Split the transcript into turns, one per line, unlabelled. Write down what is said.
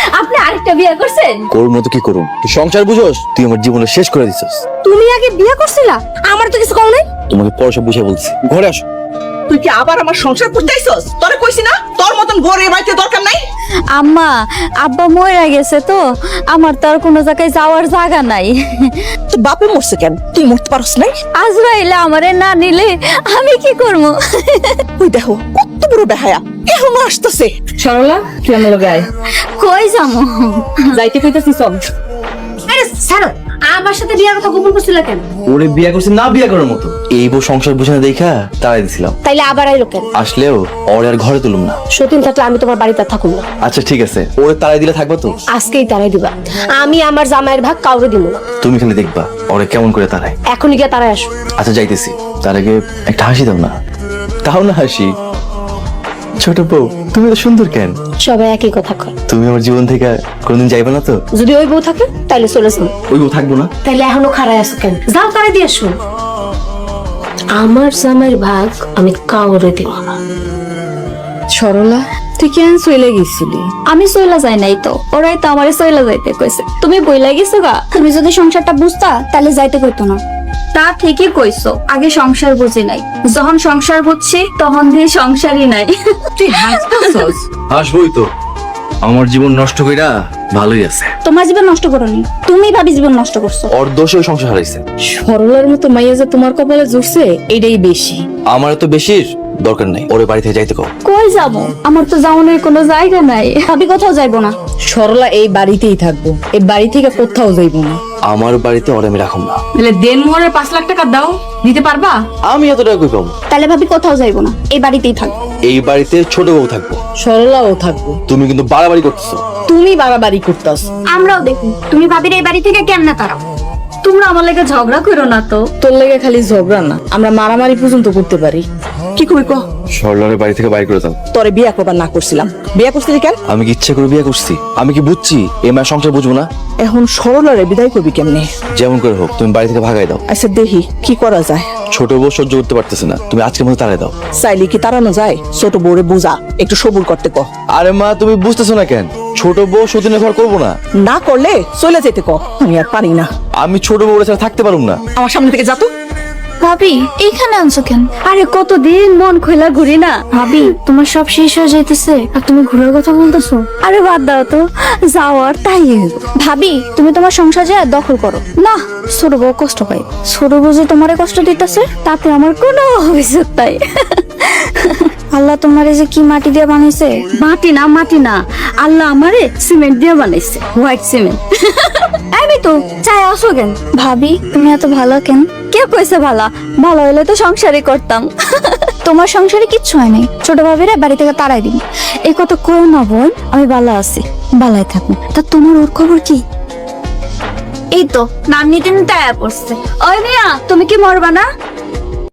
আপনি আরেকটা বিয়ে করছেন?
করুন না তো কি করুন, তুই সংসার বুঝোস? তুই আমার জীবনে শেষ করে দিছিস।
তুমি আগে বিয়ে করছিলা, আমার তো কিছু কও নাই।
তোমাকে পরে সব বুঝে বলছি, ঘরে আসো।
তুই কি আবার আমার সংসার করতে আইছস? তোরে কইছি না তোর মতন বউরে বাড়িতে দরকার নাই।
আম্মা, আব্বা মরে গেছে তো, আমার তো আর কোনো জায়গায় যাওয়ার জায়গা নাই।
তোর বাপে মরছে কেন? তুই মরতে পারস নাই?
আজরাইলে আমারে না নিলে আমি কি করবো?
ওই দেখো কত বড় বেহায়া, এখনো আসতেছে।
সরলা, তুই আমার লগে আয়।
কই যাবো?
যাইতে কইতাছি চল।
আরে ছাড়ো, আমার সাথে বিয়ার কথা গোপন করছিল কেন?
ওরে বিয়ে করছে না বিয়ে করার মতো, এই বউ সংসার বুঝে না দেখা তাড়াই দিছিলাম।
তাইলে আবার আইলো কেন?
আসলেও ওরে আর ঘরে তুলুম না।
সতীন থাকলে আমি তোমার বাড়িতে থাকুম না।
আচ্ছা ঠিক আছে, ওরে তাড়াই দিলে থাকবো তো?
আজকেই তারাই দিবা, আমি আমার জামাইয়ের ভাগ কাউরে দিব না।
তুমি খালি দেখবা ওরে কেমন করে তাড়াই।
এখনই গিয়ে তারাই আসো।
আচ্ছা যাইতেছি, তার আগে একটা হাসি দাও না। তাও না হাসি। ছোট বউ তুমি তো সুন্দর কেন?
সবাই একই কথা কয়।
তুমি আমার জীবন থেকে কোনদিন যাইবে না তো?
যদি ওই বউ থাকে তাইলে চলে যাও।
ওই বউ থাকবো না?
তাইলে এখনো খাড়ায় আছো কেন? যাও তারে দিয়ে আসো। আমার জামাইয়ের ভাগ আমি কাউরে দিব না।
সরলা, তুই কেন চলে গেছিলি?
আমি সইলা যাই নাই তো, ওরাই তো আমারে সইলা যাইতে কইছে। তুমি বইলা গেছো গা, তুমি যদি সংসারটা বুঝতা তাহলে যাইতে কইতো না। তা ঠিকই কইছো, আগে সংসার বুঝি নাই, যখন সংসার বুঝছি তখন দিয়ে সংসারই নাই।
তুই হাসতেছস?
আসবোই তো, আমার জীবন নষ্ট কইরা ভালোই আছে।
তোমার জীবন নষ্ট করোনি, তুমি ভাবি জীবন নষ্ট করছো।
ওর দোষে ওই সংসার হারাইছে।
সরলার মতো মাইয়া যে তোমার কপালে জুড়ছে এটাই বেশি।
আমার তো বেশির দরকার নাই, ওরে বাড়ি থেকে যাইতে কও।
কই যাবো? আমার তো যাওয়ানোর কোনো জায়গা নাই, ভাবি কোথাও যাইবো না।
সরলা এই বাড়িতেই থাকবো, এই বাড়ি থেকে কোথাও যাইবো না।
আমার বাড়িতে ওরে আমি রাখুম না।
তাহলে দেন মোহরের 5 লাখ টাকা দাও, দিতে পারবা?
আমি এত টাকা কই পাবো?
তাহলে ভাবি কোথাও যাইবো না, এই বাড়িতেই থাকবো।
এই বাড়িতে ছোট বউ থাকবো।
সরলাও থাকবো।
তুমি কিন্তু বাড়াবাড়ি করতেছো।
তুমি বাড়াবাড়ি করতাস।
আমরাও দেখুন তুমি ভাবির এই বাড়ি থেকে কেমনে তারাও। তোমরা আমার লাগে ঝগড়া করো না তো।
তোর লেগে খালি ঝগড়া না, আমরা মারামারি পর্যন্ত করতে পারি।
কি কই ক?
সরলারে বাড়ি থেকে বাইর করে দাও।
তোরে বিয়া করবার না করছিলাম, বিয়া করছিলি কেন?
আমি কি ইচ্ছে করে বিয়ে করছি? আমি কি বুঝছি এই মায়ের সংসার বুঝবো না?
এখন সরলারে বিদায় করবি কেমনে?
যেমন করে হোক তুমি বাড়ি থেকে ভাগাই দাও।
আচ্ছা দেখি কি করা যায়।
ছোট বউ সহ্য করতে পারতেছে না, তুমি আজকের মতো তাড়াই দাও।
চাইলে কি তাড়ানো যায়? ছোট বউরে বুঝা, একটু সবুর করতে ক।
আরে মা তুমি বুঝতেছো না কেন? ছোট বউ সতীনের ঘর করবো না।
না করলে চলে যেতে ক। আমি আর পারি না,
আমি ছোট বউ ছাড়া থাকতে পারুম না।
আমার সামনে থেকে যা তো।
ভাবি এখানে আনছো কেন? আরে কতদিন মন খোলা ঘুরি না। ভাবি তোমার সব শেষ হয়ে যাইতেছে আর তুমি ঘুরার কথা বলতেছো। আরে বাদ দাও তো, যাওয়ার তাই। ভাবি তুমি তোমার সংসার যা দখল করো না। ছোট বউ কষ্ট পাই, ছোট বউ যে তোমারে কষ্ট দিতেছে তাতে আমার কোনো অভিযোগ তাই। আল্লাহ তোমারে যে কি মাটি দিয়ে বানাইছে। মাটি না, আল্লাহ আমারে সিমেন্ট দিয়ে বানাইছে, হোয়াইট সিমেন্ট। আমি তো চাই আসো কেন? ভাবি তুমি এত ভালো কেন? কে কইছে ভালো? ভালো হইলে তো সংসারই করতাম। তোমার সংসারে কিচ্ছু হয় নাই, ছোট ভাবিরা বাড়ি থেকে তাড়াই দিন। এই কথা কইও না বোন, আমি ভালো আছি, ভালোই থাকুন। তা তোমার ওর খবর কি? এই তো নাম নিতে নিতে আয়া পড়ছে। ওই মিয়া তুমি কি মরবা না?